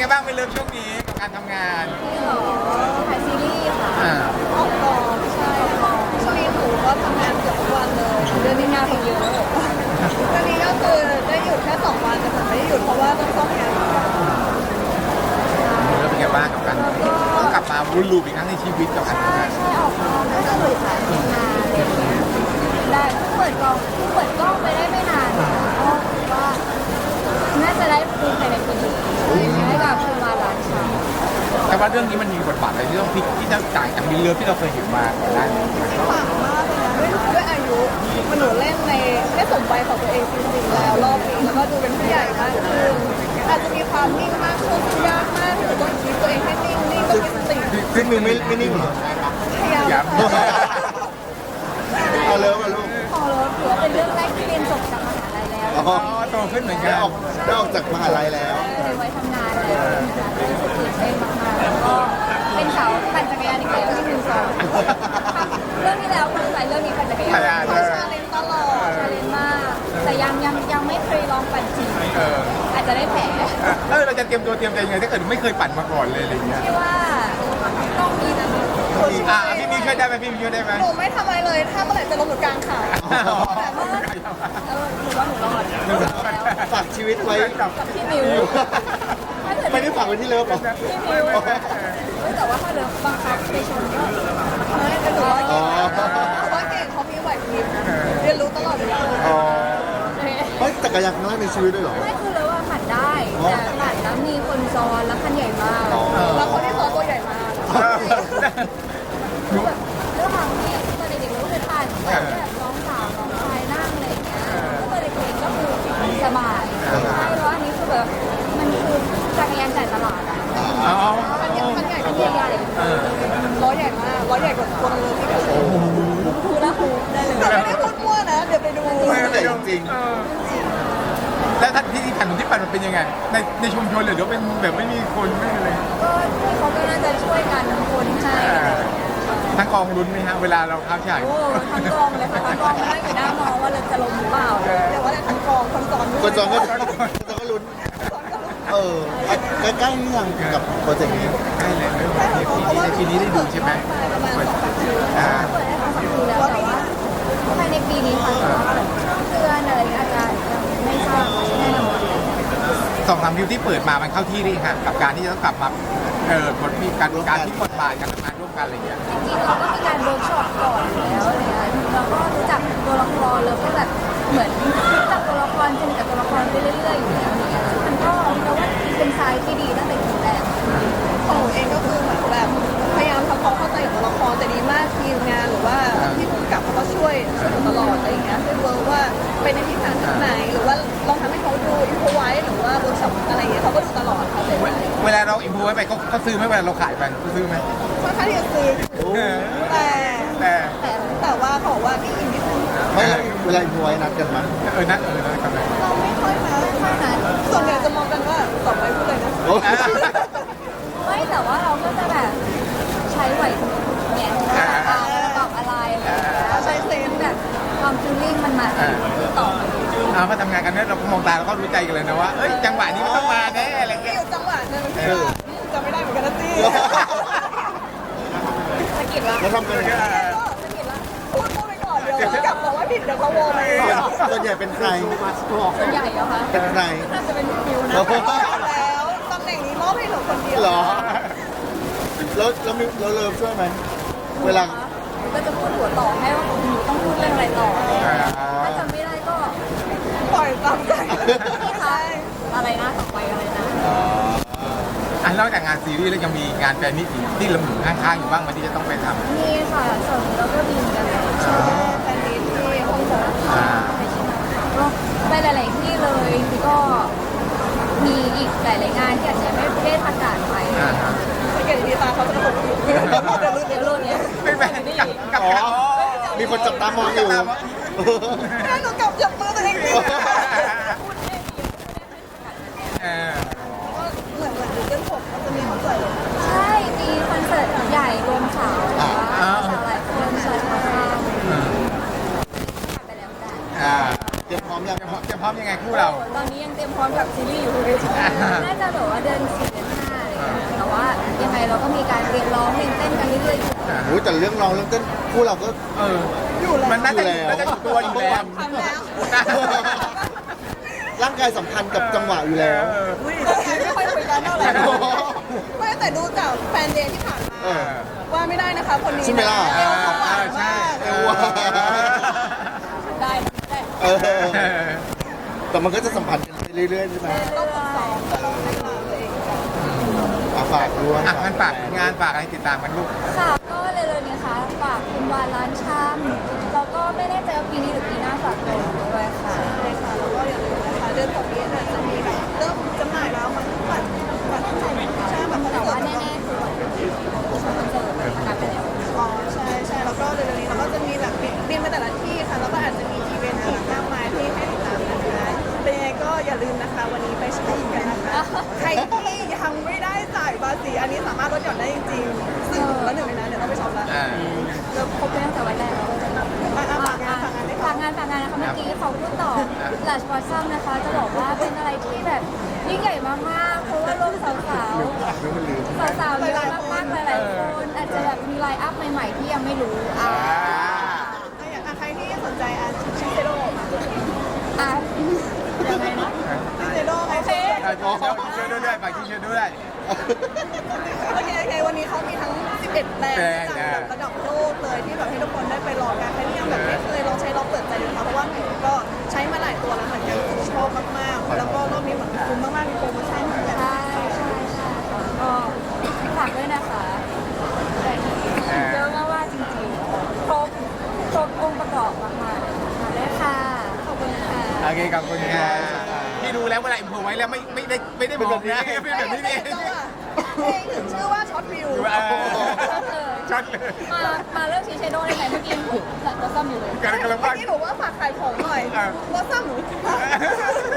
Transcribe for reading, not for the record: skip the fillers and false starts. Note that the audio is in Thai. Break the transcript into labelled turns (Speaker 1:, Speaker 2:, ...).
Speaker 1: บ้างไม่เลิกช่วงนี้กับการทำงาน
Speaker 2: นี่เหรอถ่ายซีรีส์ค่ะ
Speaker 1: อ่า
Speaker 2: ออกกองใช่ค่ะช่วงนี้หนูก็ทำงานเกือบทุกวันเลยเดือนนี้งานเยอะตอนนี้ก็คือได้หยุดแค่2 วันแต่ผมไม่ได้หยุดเพราะว่าต้องซ่อมงาน
Speaker 1: แล้วเป็นไงบ้างกับการต้องกลับมาวนลูปอีกครั้งในชีวิตกับการทำงาน
Speaker 2: ใช่ออกกองก็จะหลุดถ่ายทำงานอะไรอย่างเงี้ยได้เปิดกล้องไปได้ไม่นานค่ะก็คิดว่าน่าจะได้ดูภายในปีนี้ให้กับคุณมาร้านชา
Speaker 1: แต่ว่าเรื่องนี้มันมีบทบาทอะไรที่ต้องพลิกที่จะต่างจากมิลเลอร์ที่เราเคยเห็นมาก่อนหน้านี้
Speaker 2: ต่างมากเลยนะด้วยอายุมันหนูเล่นในได้สมวัยของตัวเองจริงๆแล้วรอบนี้แล้วก็ดูเป็นผู้ใหญ่มากขึ้นอาจจะมีความนิ่งมากขึ้นยากมากที่จะต้องคิดตัวเองให้นิ่งต้องมีสติ
Speaker 3: ซึ่งมิวไม่นิ่งเหรอ
Speaker 2: พยายาม
Speaker 1: อยาก
Speaker 3: เอาเลยมาลูก
Speaker 2: พอรถถือว่าเป็นเรื่องแรกที่เรียนจบจากมหาลัยแล้ว
Speaker 3: อ๋อ
Speaker 1: โตขึ้นเหมือนกั
Speaker 3: ได้
Speaker 1: น
Speaker 3: ออกจากมหาลัยแล้ว
Speaker 2: เลยไว้ทำงานแล้วนะคะรู้สึกตื่นเต้นมากๆแล้วก็เป็นสาวปั่นจักรยานอีกแล้วที่มือสองเรื่องที่แล้วคือใส่เรื่องนี้ปั่นจักรยานเขาชาเลนจ์ตลอดชาเลนจ์มากแต่ยังไม่เคยลองปั่นจริงอาจจะได้แผล
Speaker 1: เราจะเตรียมตัวเตรียมใจยังไงถ้าเกิดไม่เคยปั่นมาก่อนเลยอะไรอย่างเงี้ย
Speaker 2: ที่ว่าต้องมีนะ
Speaker 1: พี่มีช่วยได้ไหมพี่มีช่วยได้ไหม
Speaker 2: หนูไม่ทำอะไรเลยถ้าเมื่อไหร่จะลงหนูกลางขาแต่ว่าหนูว่าหนูรอด
Speaker 3: ฝากชีวิตไว้
Speaker 2: กับพี่มิว
Speaker 3: ไม่ได้ฝากไว้ที่เลิฟหรอ
Speaker 2: พี่มิวแต่ว่าถ้าเลิฟบังคับไปชนก็ไม่แต่หนูว่าเก่งเพราะว่าเก่งเขามีไหวพริบเรียนรู้ตลอดเวลา
Speaker 3: อ๋อเฮ้ยจักรยานครั้งแรกในชีวิตด้วยเหรอ
Speaker 2: ไม่คือเลยว่าปั่นได้แต่ปั่นแล้วมีคนซ้อนแล้วคันใหญ่มากแล้วคนที่ซ้อนตัวใหญ่มากคือแบบด้วยความที่ตอนเด็กๆเราก็เคยปั่นแบบน้องสาวน้องชายนั่งอะไรอย่างเงี้ยแล้วตอนเด็กๆก็คือสบายใช่แล้วอันนี้คือแบบมันคือจักรยานจ่ายตลาดอะ
Speaker 1: อ๋อ
Speaker 2: มันใหญ่มันใหญ่ล้อใหญ่มากล้อใหญ่กว่าตัวมันเลยที่แบบคูละคูได้เลยไม่ได้พูดมั่วนะเดี๋ยวไปดู
Speaker 3: แต่จริง
Speaker 1: แล้วท่านที่ถนนที่ปั่นมันเป็นยังไงในชุมชนเลยหรือเป็นแบบไม่มีคนไม่อะไร
Speaker 2: ก็เขาก็น่าจะช่วยกันคนให้อะไรอย่างเงี้ย
Speaker 1: ทั้งกองลุ้นไหมฮะเวลาเราเข้าฉาก
Speaker 2: โอ้ทั้งกองเลยค่ะทั้งกองนั่งอยู่หน้ามองว่าเราจะลงหรือเปล่าเดี๋ยวว่าแต่ทั้งกองคนสอนด้วย
Speaker 3: คนจองก็ลุ้นใกล้ๆนี่ยังกับโปรเจกต์นี้
Speaker 1: ใช่เลยปีนี้ได้ดูใช่ไหม
Speaker 2: ประมาณ2-3 คืนแล้วเปิดได้2-3 คืนแล้วแต่ว่าภายในปีนี้ค่ะเดือนอะไรอาจจะไม่ทราบแน่นอน
Speaker 1: 2-3คิวที่เปิดมามันเข้าที่ดีฮะกับการที่จะต้องกลับมาบทมีการที่บทบาทการทำงานร่วมกันอะไรอย่างเงี้ย
Speaker 2: จริงๆเราก็มีการเวิร์กช็อปก่อนอยู่แล้วอะไรเงี้ยเราก็รู้จักตัวละครแล้วก็แบบเหมือนรู้จักตัวละครสนิทกับตัวละครไปเรื่อยๆอยู่แล้วเนี่ยมันก็เราว่าเป็นทรายที่ดีตั้งแต่ทีแรกของหนูเองก็คือเหมือนแบบพยายามทำความเข้าใจกับตัวละครแต่ดีมากทีมงานหรือว่าที่ผู้กำกับเขาก็ช่วยหนูตลอดอะไรอย่างเงี้ยช่วยเวิร์กว่าเป็นในทิศทางไหนหรือว่าลองทำให้เขาดูอินโฟไว้หรือว่าเวิร์กช็อปอะไรอย่างเงี้ยเขาก็ดูตลอดเขาเลย
Speaker 1: เวลาเราอินพูไว้ไปเขาซื้อไหมเวลาเราขายไปเขาซื้อไหม
Speaker 2: ค่อนข้างที่จะซื้อแต่
Speaker 1: แต่
Speaker 2: แต่ว่าเขาบอกว่านี่อินนิดนึง
Speaker 3: ไม่เวลาอินพไว้นัดกันมั้ย
Speaker 1: นั่นกันเลย
Speaker 2: เราไม่ค่อยนะส่วนใหญ่จะมองกันว่าต่อไปพูดเลยนะ
Speaker 3: โอ้
Speaker 2: ไม่แต่ว่าเราก็จะแบบใช้ไหวพริบเนี่ยเราตอบอะไรอะไรใช้เซนแบบความฟีลลิ่งมันมาต่อ
Speaker 1: พอทำงานกันเนี่ยเราก็มองตาเราก็รู้ใจกันเลยนะว่าเอ้ยจังหวะนี้มันต้องมาแน่อะไร
Speaker 2: มี
Speaker 1: เงี้ย
Speaker 2: อยู่จังหวะหนึ่งที่ว่าจำไม่ได้เหมือนกันนะจี้สะกิดละ
Speaker 3: แล้วทำกันยังไง
Speaker 2: สะกิดละพูดไปก่อนเดี๋ยวกลับบอกว่าผิดเดี๋ยวเขาโวไป
Speaker 3: ส่วนใหญ่เป็นใคร
Speaker 2: ส่วนใหญ่เหรอคะ
Speaker 3: เป็นใคร
Speaker 2: น่าจะเป็นฟิวนะแล้วตำแหน่งนี้มอบให้หนูคนเดียว
Speaker 3: เหรอแล้วมีเราเลิฟช่วยไหมเวลา
Speaker 2: ก็จะพูดหัวต่อให้ว่าหนูต้องพูดเรื่องอะไรต่อถ้าจำไม่ได้ก็ปล่อยตามใจใช่อะไรนะต่อไปอะไรนะ
Speaker 1: นอกจากงานซีรีส์แล้วยังมีงานแฟนมิตรที่ลำอยู่ข้างๆอยู่บ้างมันที่จะต้องไปทำ
Speaker 2: มีค่ะส่วนเราก็มีกันใช่แฟนมิตที่ฮ่องกงก็ไปหลายๆที่เลยคือก็มีอีกหลายๆงานที่อาจจะไม่ได้ประกาศไปสังเกตดีตาเขาจะบอกเดี๋ยวรุ่นนี้
Speaker 1: ไม่แฟนกับ
Speaker 3: อ๋อมีคนจับตามองอยู่
Speaker 2: แม่หนูกลับจับมือตัวเองดิ เหมือนดูเส้นผมมันจะมีคอนเสิร์ตใช่มีคอนเสิร์ตใหญ่รวมสาวสาวหลายคนสาวข้ามไปแล้วได้
Speaker 3: เตรียมพร้อมยัง
Speaker 1: จะพร้อมยังไงคู่เรา
Speaker 2: ตอนนี้ยังเตรียมพร้อมกับซีรีส์อยู่เลยน่าจะแบบว่าเดือน4 เดือนยังไงเราก็มีการเรียนร้องเรียนเต้นกันเรื่อยๆอยู่
Speaker 3: โอ้ยแต่เรื่องร้องเรื่องเต้นคู่เราก็
Speaker 1: เออมันน่าจะอยู่ตัวอยู่แล้ว
Speaker 4: ทำแล้ว
Speaker 3: ร่างกายสัมพันธ์กับจังหวะอยู่แล้ว
Speaker 4: ไม่ค่อยคุยกันเท่าไหร่ไม่แต่ดูจากแฟนเดย์ที่ผ่านมา
Speaker 3: เออ
Speaker 4: ว่าไม่ได้นะคะคนนี้
Speaker 3: ใช่ไหมล่ะ
Speaker 4: เอวเขาหวานมาก
Speaker 3: เอวหวาน
Speaker 4: ได้ได้
Speaker 3: เออแต่มันก็จะสัมพันธ์กันไปเรื่อยๆใช่ไหม
Speaker 4: ต้องฝึกซ้อมต้องพัฒนาตัวเองก่อน
Speaker 3: ฝากด้วย
Speaker 1: อ่ะงั้นฝากงานฝากอะไรติดตามกันลูก
Speaker 2: ค่ะก็เร็วๆนี้ค่ะฝากคุณวานร้านชำแล้วก็ไม่แน่ใจว่าปีนี้หรือปีหน้าฝากตัวด้วยค่ะ
Speaker 4: ใช่ค่ะแล้วก็อย่าลืมนะคะเดือนต่อปีเนี่ยจะมีแบบเริ่มจำหน่ายแล้วมันบัตรใช่แบบคอน
Speaker 2: แต่
Speaker 4: เสิ
Speaker 2: ว่า
Speaker 4: ร์ต
Speaker 2: แน่ๆคือวันที่คอนเสิร์ตประกาศไปแล้ว
Speaker 4: อ๋อใช่ใช่แล้วก็เร็วๆนี้เราก็จะมีแบบบินไปแต่ละที่ค่ะแล้วก็อาจจะมีอีเวนต์ต่างๆมากมายที่ให้ติดตามนะคะเป็นยังไงก็อย่าลืมนะคะวันนี้ไปช็อปกันนะคะใครที่ยังไม่ได้จ่ายภาษีอันนี้สามารถลดหย่อนได้จริงๆซึ่งแล้วหนึ่งในนั้นเดี๋ยวต้องไปช็อปแล้ว
Speaker 2: เราครบไปตั้งแต่วันแรกแล้ว
Speaker 4: ฝากงานได้
Speaker 2: ฝากงานนะคะเมื่อกี้เขาพูดต่อหลาชวอซัมนะคะ จะบอกว่าเป็นอะไรที่แบบยิ่งใหญ่มากๆเพราะว่ารวมสาวๆสาวๆเยอะมากๆหลายๆคนอาจจะแบบมีไลน์อัพใหม่ๆที่ยังไม่รู้
Speaker 4: ใครที่สนใจชิเซโร่มา
Speaker 2: ยังไงนะ
Speaker 4: ชิเซโร่ไงเช่
Speaker 1: เชิญด้วยฝากที่เชิญด้วย
Speaker 4: โอเควันนี้เขามีทั้ง 11 แบรนด์จากระดับโลกเลยที่แบบให้ทุกคนได้ไปลองกันใครที่ยังแบบไม่เคยลองใช้ลองเปิดใจดูค่ะเพราะว่าหนูก็ใช้มาหลายตัวแล้วเหมือนกันชอบมากๆแล้วก็รอบนี้เหมือนคุ้มมากๆมีโปรโมชั่นเหมือนกัน
Speaker 2: ใช่ก็ฝากด้วยนะคะเยอะมากๆจริงๆครบองค์ประกอบมากๆมาเลยค่ะขอบคุณค่ะ
Speaker 1: โอเคขอบคุณค่ะพี่ดูแล้วเวลาอิมโพไว้แล้วไม่ได้บอกนะเป็นแบบนี้เอง
Speaker 4: เพลงถึงชื่อว่าช็อตวิว
Speaker 1: ช็อตเลย
Speaker 2: มาเรื่องชีเชโดได้ไหมเมื่อกี้หลังก็ซ่อมอยู่เลย
Speaker 1: กำลัง
Speaker 4: เมื่
Speaker 1: ว่า
Speaker 4: อกี้หนูว่าฝากขายของหน่อยว่าซ้ำหนู